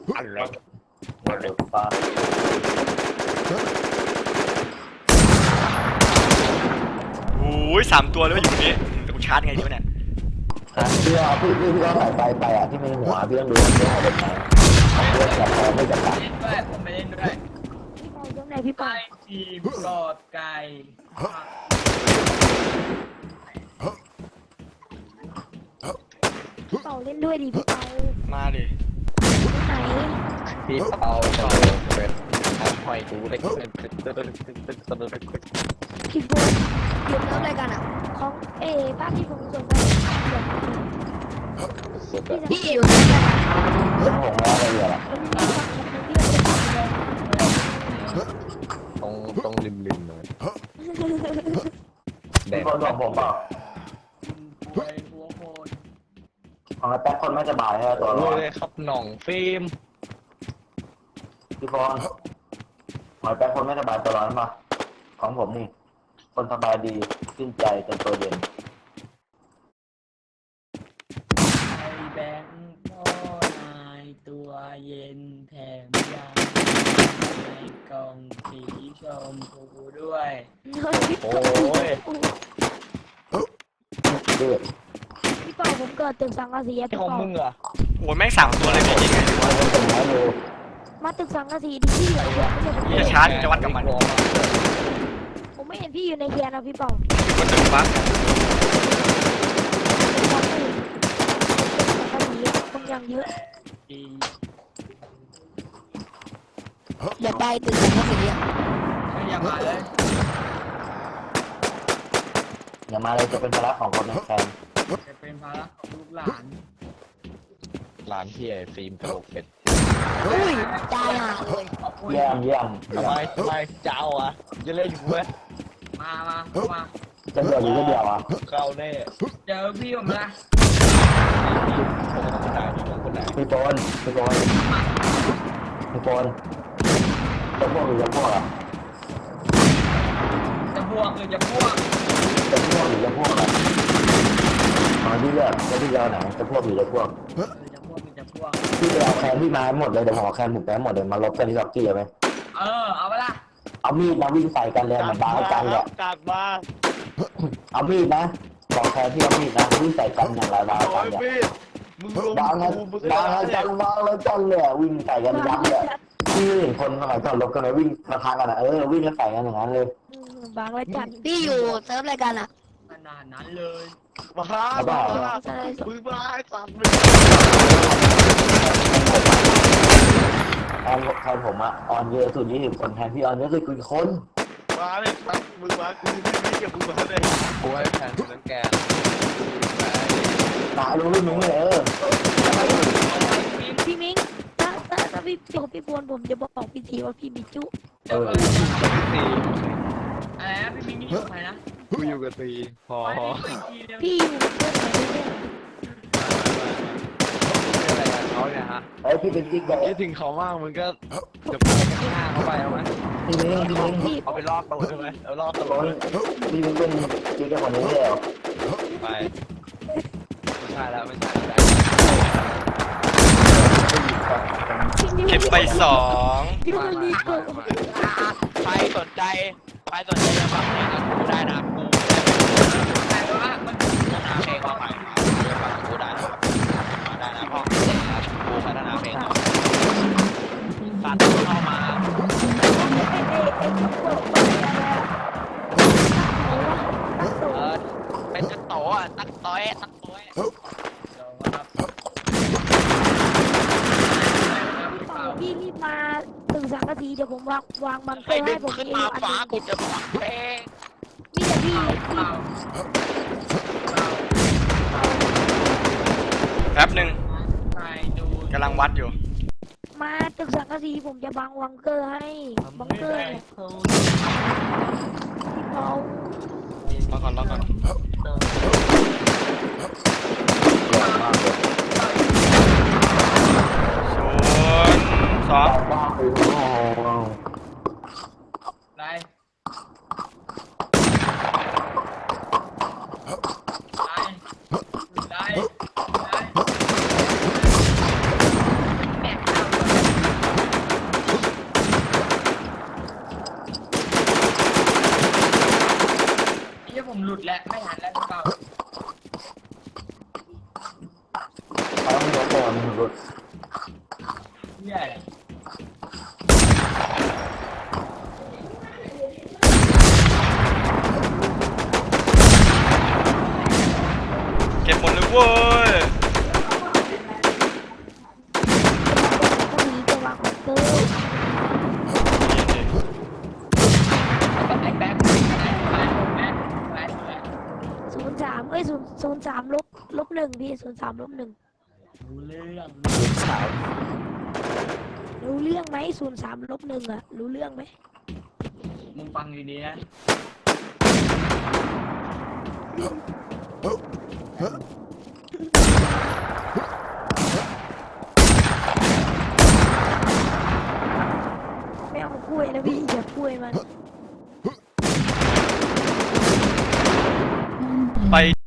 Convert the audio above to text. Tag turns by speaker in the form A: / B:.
A: อะไรวันเดือฟ้า
B: โอ้ย3 ตัวเลยอยู่ตรงนี้แต่กูชาร์จไงดีวะเนี่ย
A: พี่เอาพี่ก็ใส่ไปอ่ะที่มีหัวพี่ต้องดูว่าพี่เอาแบบไหนเลือกจับพอไม่จับปาก
C: เล่นด้วยผมไม่เล่นด้วย
D: พี่เปาตรงไหนพี่เปา
C: ไก่ทีมกอดไก่
D: พี่เปาเล่นด้วยดิพี่เปา
B: มาดิ
D: ไหน
A: พี่เปาจะเป็นทำหอยกูได้เป็น
D: พี่โบหยุดเริ่มรายการอ่ะของภาพที่ผมส่งไป
A: สุด
D: พี่อยู่ในกัน
A: เรื่องของเราอะไรอ่ะ ตรงริมเลยแดงคนบอกผมเปล่า
C: ป่วยหัวโคน
A: ของแป๊บคนไม่สบายใช่ไหมตัวร้อนเลยครับหน่องฟิล์มพี่บอลหอยแป๊บคนไม่สบายตัวร้อนป่ะของผมนี่คนสบายดีขึ้นใจจนตัวเย็น
C: ไอแบงค์พ่อนายตัวเย็นแถมยังในกล่องสีชมพูด้วย
A: โอ้ยเดือด
D: พี่เปาผมเกิดตึกสังกะสีพี่
A: ของ
D: เปา
A: มึงเหรอ
B: โอ้ยแม่ง3 ตัวเลยพี่ยิงไงดีวะ
A: มันเป็นไม้ดู
D: มาตึกสังกะสีดิพี่เหรอไม่ใช่ผม
B: พี่จะชาร์จจะวัดกับมัน
D: ผมไม่เห็นพี่อยู่ในแคนนะพี่เปา
B: อยู่บนตึกปั๊บ
D: สังกะสีคนยังเยอะ
C: อี
D: อย่าไปตึกสังกะสีอ่ะ
C: ไม่อยากมาเลย
A: อย่ามาเลยจะเป็นภาระของคนในแคน
C: จะเป็นภาระของลูกหลาน
A: ร้านที่ไอ้ฟิล์มกระโหลกเป็ด
D: อุ้ยตายอ่ะเลย
C: ขอบคุณ
A: เยี่ยมเยี่ยมทำไมเจ้าอ่ะจะเล่นอยู่เว้ย
C: มามา
A: จะเดียวหรือจะเดียวอ่ะเข้าแน่
C: เจอพี่ผมละ
A: พี่โปนพี่โปนพี่โปนจะพวกหรือจะพวกอ่ะ
C: จะบวกหรือจะพวก
A: จะพวกหรือจะพวกอ่ะตอนที่เลือกจะพี่เอาไหนจะพวกหรือจะพวก
C: จะพวกหรือจะพวก
A: พี่ไปเอาแคนพี่มาหมดเลยเดี๋ยวผมเอาแคนผมไปหมดเลยมาลบกันที่ล็อกกี้ไหม
C: เอาไปละ
A: เอามีดมาวิ่งใส่กันเลยมันบ้ากันแหละ
E: กากมา
A: เอามีดนะบอกแคนที่เอามีดนะวิ่งใส่กันอย่างไรบ้า
E: โอ้
A: กัน
E: ย
A: เนี่ย
E: พี่มึงลง
A: บ้ากัน
E: กูมึง
A: บ้า
E: เล
A: กันบ้าแล้วจังเลยวิ่งใส่กันยับเลยพี่เห็นคนสมัยก่อนลบกันเลยวิ่งมาทางกันอ่ะวิ่งแล้วใส่กันอย่างนั้นเลย
D: บางระจันพี่อยู่เซิร์ฟรายการอ่ะ
C: ขนาดนั้นเลย
E: มามึงมาไอ้สัตว์มึง
A: แทนผมอะออนเยอะสุด20 คนแทนพี่ออนเยอะสุดกี่คน
E: มาเลยครับมึงมากูไม่เกี่ยวมึงมาเลย
A: กูให้แทนคนนั้นแกตารู้รุ่นมึงเลย
D: พี่มิ้งถ้าพี่จบพี่บวนผมจะบอกพี่ทีว่าพี่มีจุ
C: เดี๋ยวอะไรนะพี่มิ้งนี่อยู่ใครนะ
E: กูอยู่กับตีพอ
D: พี่อยู่เพื่อนไหนเนี่ย
E: อะไรกันเขาเนี่ยฮะ
A: พี่เป็นจิ๊กบอก
E: คิดถึงเขามากมึงก็จะไปกันหน้าเขาไปเอาไหม
A: พี่มิ้ง
D: พี่
E: เอาไปรอบตัวใช่ไหมเอารอบตัว
A: พี่มิ้งเป็นจิ๊กกับคนนี้เลย
E: ไปไม่ใช่แล้วไม่ใช่แล้ว
B: เก็บไป2
D: พี่มันรีเกิด
E: ใครสนใจจะฟังเพลงกับกูได้นะกู
C: แต่ว่ามัน
E: พัฒนาเพลงมาใหม่ฟังกูได้นะมาได้นะพ่อกูพัฒนาเพลงฝากเข้ามาเป็นตักโตอ่ะตักต้อยตักต้อย
D: พี่รีบมาตึกสังกะสีเดี๋ยวผมวางมันเต
E: ให้
D: อร์
E: ดึ
D: ให้
E: ง
D: ผม
E: ขึ้น
D: เอง
E: มา
D: อัน
E: ฟ้า
D: นึง
E: กูจะฟังเพลง
D: มีแต่พี่
B: แป๊บหนึ่ง
C: ใครดู
B: กำลังวัดอยู่
D: มาตึกสังกะสีผมจะบังวังเกอร์ให้บังเกอร์พี่เปาร
B: อก่อน0 2
A: บ้าคือ
C: ไรไรแม่ข้าวเหี้ย
B: เก็บหมดเลยเว้ย
D: ก็มีจะวางบังเกอร์
C: ไอ้แบ๊ก
D: 03เอ้ย03-1พี่03-1
C: รู้เรื่อง
D: รู้เรื่องไหม03-1อ่ะรู้เรื่องไหม
C: มึงฟังดีๆนะ
D: ไม่เอากล้วยนะพี่อย่ากล้วยมัน
B: ไป